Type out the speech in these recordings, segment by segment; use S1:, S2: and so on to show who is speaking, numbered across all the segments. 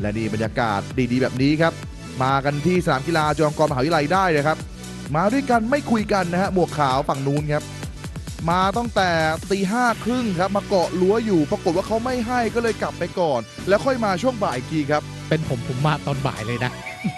S1: และนี่บรรยากาศดีๆแบบนี้ครับมากันที่สนามกีฬาจุฬาลงกรณ์มหาวิทยาลัยได้เลยครับมาด้วยกันไม่คุยกันนะฮะหมวกขาวฝั่งนู้นครับมาตั้งแต่ตี 5:30ครับมาเกาะรั้วอยู่ปรากฏว่าเขาไม่ให้ก็เลยกลับไปก่อนแล้วค่อยมาช่วงบ่ายอีกทีครับ
S2: เป็นผมมาตอนบ่ายเลยนะ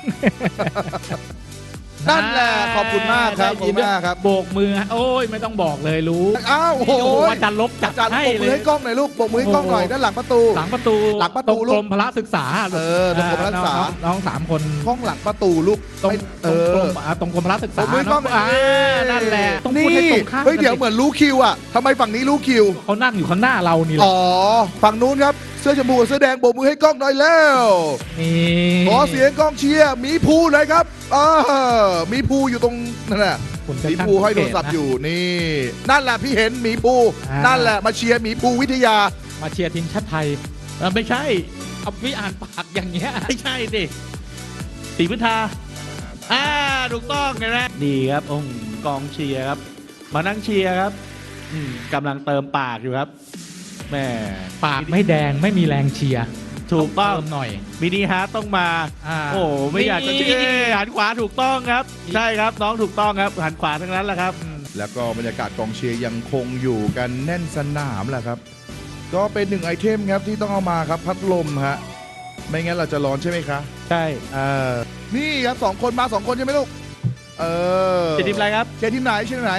S1: นั่นแหละขอบคุณมากครับขอบคุณมากครับ
S2: โบกมือโอ้ยไม่ต้องบอกเลยรู้
S1: อ้าวโอ้โห
S2: อาจารย์ลบจัดให้
S1: เลยโบกมือให้กล้องหน่อยลูกโบกมือให้กล้องหน่อยด้านหลังประตู
S2: หลังประตูตรงกรมพละศึกษา
S1: ตรงกรมพละศึกษา
S2: น้อง3 คน
S1: ห้องหลังประตูลูก
S2: ตรงกรมพละศึกษานั่นแหละต้องพูดให้ตรงข้าม
S1: เฮ้ยเดี๋ยวเหมือนรู้คิวอ่ะทำไมฝั่งนี้รู้คิว
S2: เขานั่งอยู่ข้างหน้าเรานี่แหละ
S1: อ๋อฝั่งนู้นครับเสื้อชมพูกับเสื้อแดงโบกมือให้กล้องหน่อยแล้วขอเสียงกล้องเชียร์มีภูหน่อยครับมีภูอยู่ตรงนั่นแหละมีภูห้อยโทรศัพท์อยู่นี่นั่นแหละพี่เห็นมีภูนั่นแหละมาเชียร์มีภูวิทยา
S2: มาเชียร์ทีมชาติไทยไม่ใช่เอาวิอ่านปากอย่างเงี้ย
S3: ไม่ใช่ดิศรีพุทธาถูกต้องเลยนะดีครับกองเชียร์ครับมานั่งเชียร์ครับกำลังเติมปากอยู่ครับแม่
S2: ปากไม่แดงไม่มีแรงเชียร์
S3: ถูกต้อง
S2: หน่อย
S3: มินิฮาร์ทต้องมาโอ้ไม่อยากจะเชียร์หันขวาถูกต้องครับใช่ครับน้องถูกต้องครับหันขวาทั้งนั้นแหละครับ
S1: แล้วก็บรรยากาศกองเชียร์ยังคงอยู่กันแน่นสนามแหละครับก็เป็น1ไอเทมครับที่ต้องเอามาครับพัดลมฮะไม่งั้นเราจะร้อนใช่ไหมคะ
S3: ใช่
S1: นี่ครับ2 คนมา2 คนใช่ไหมลูก
S3: เชียร์ทีมอะไรครับ
S1: เชียร์ทีมไหนเชียร์ทีมไหน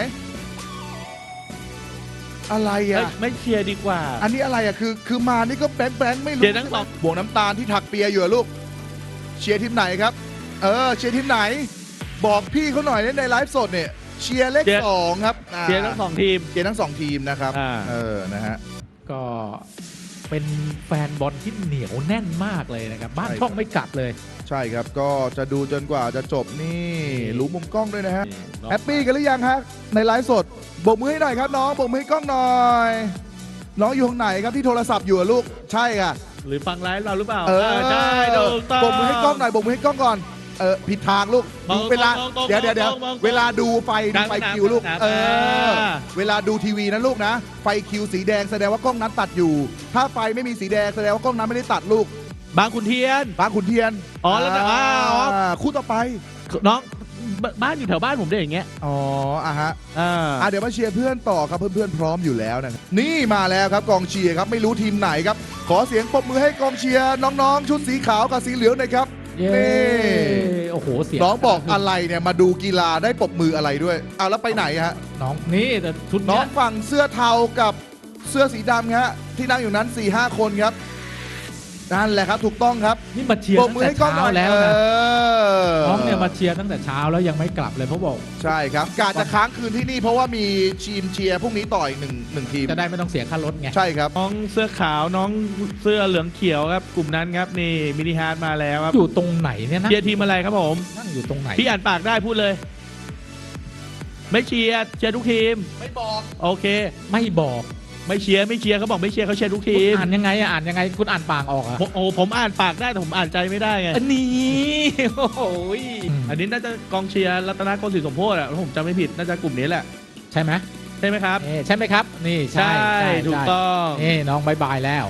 S1: อะไรอ่ะ
S3: ไม่เชียร์ดีกว่า
S1: อันนี้อะไรอ่ะคือมานี่ก็แบงไม่รู้
S3: เชียร์ทั้งสอง
S1: บวกน้ำตาลที่ถักเปียอยู่ลูกเชียร์ทีมไหนครับเชียร์ทีมไหนบอกพี่เขาหน่อยในไลฟ์สดเนี่ยเชียร์เลข2ครับ
S3: เชียร์ทั้ง2 ทีม
S1: เชียร์ทั้ง2 ทีมนะครับนะฮะ
S2: ก็เป็นแฟนบอลที่เหนียวแน่นมากเลยนะครับบ้านช่องไม่กลับเลย
S1: ใช่ครับก็จะดูจนกว่าจะจบนี่รู้มุมกล้องด้วยนะฮะแฮปปี้กันหรือยังฮะในไลฟ์สดโบกมือให้หน่อยครับน้องโบกมือให้กล้องหน่อยน้องอยู่ตรงไหนครับที่โทรศัพท์อยู่ลูกใช่ค่ะ
S3: หรือฟังไลฟ์เราหรือเปล่า
S1: ใช่
S3: ถูกต้อง
S1: โบกมือให้กล้องหน่อยโบกมือให้กล้องก่อนผิดทางลูกดูเวลาเดี๋ยวเวลาดูไฟคิวลูกเวลาดูทีวีนะลูกนะไฟคิวสีแดงแสดงว่ากล้องนั้นตัดอยู่ถ้าไฟไม่มีสีแดงแสดงว่ากล้องนั้นไม่ได้ตัดลูก
S3: บางขุนเทียน
S1: แล้วนะคู่ต่อไป
S3: น้องบ้านอยู่แถวบ้านผมได้อย่างเงี้ย
S1: ฮะเดี๋ยวมาเชียร์เพื่อนต่อครับเพื่อนพร้อมอยู่แล้วนะนี่มาแล้วครับกองเชียร์ครับไม่รู้ทีมไหนครับขอเสียงปรบมือให้กองเชียร์น้องๆชุดสีขาวกับสีเหลืองหน่อยครับ
S2: นี่โอ้โหเสียง
S1: น้องบอกอะไรเนี่ยมาดูกีฬาได้ปรบมืออะไรด้วยแล้วไปไหนฮะ
S2: น้องนี่แต่ชุด
S1: น้องฝั่งเสื้อเทากับเสื้อสีดำฮะที่นั่งอยู่นั้น 4-5 คนครับนั่นแหละครับถูกต้องครับ
S2: นี่มาเชียร์ตั้งแต่เช้าแล้วนะน้องเนี่ยมาเชียร์ตั้งแต่เช้าแล้วยังไม่กลับเลยเพราะบอก
S1: ใช่ครับกาจะค้างคืนที่นี่เพราะว่ามีทีมเชียร์พรุ่งนี้ต่ออีกหนึ่งทีม
S2: จะได้ไม่ต้องเสียค่ารถไง
S1: ใช่ครับ
S3: น้องเสื้อขาวน้องเสื้อเหลืองเขียวครับกลุ่มนั้นครับนี่มินิฮาร์ทมาแล้วครับ
S2: อยู่ตรงไหนเนี่ยนะ
S3: เชียร์ทีมอะไรครับผม
S2: นั่งอยู่ตรงไหน
S3: พี่อ่านปากได้พูดเลยไม่เชียร์ทุกทีม
S1: ไม่บอก
S3: โอเค
S2: ไม่บอก
S3: ไม่เชียร์เขาบอกไม่เชียร์เขาเชียร์ทุกทีม
S2: อ่านยังไงคุณอ่านปากออกอะ
S3: ผมอ่านปากได้แต่ผมอ่านใจไม่ได้ไง
S2: อันนี้โอ้โห
S3: อันนี้น่าจะกองเชียร์รัตนโกสินทร์สมโพธิอะผมจำไม่ผิดน่าจะกลุ่มนี้แหละ
S2: ใช่ไหม
S3: ครับ
S2: ใช่ไหมครับนี่ใช่
S3: ถูกต้อง
S2: นี่น้องบายแล้ว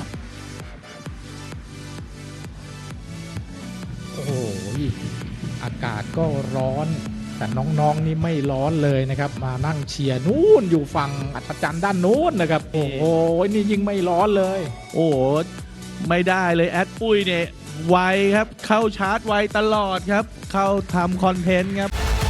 S2: โอ้โหอากาศก็ร้อนแต่น้องๆนี่ไม่ร้อนเลยนะครับมานั่งเชียร์นู่นอยู่ฝั่งอัศจรรย์ด้านนู้นนะครับโอ้โหนี่ยิ่งไม่ร้อนเลย
S3: โอ้โหไม่ได้เลยแอดปุ้ยเนี่ยไวครับเข้าชาร์จไวตลอดครับเข้าทำคอนเทนต์ครับ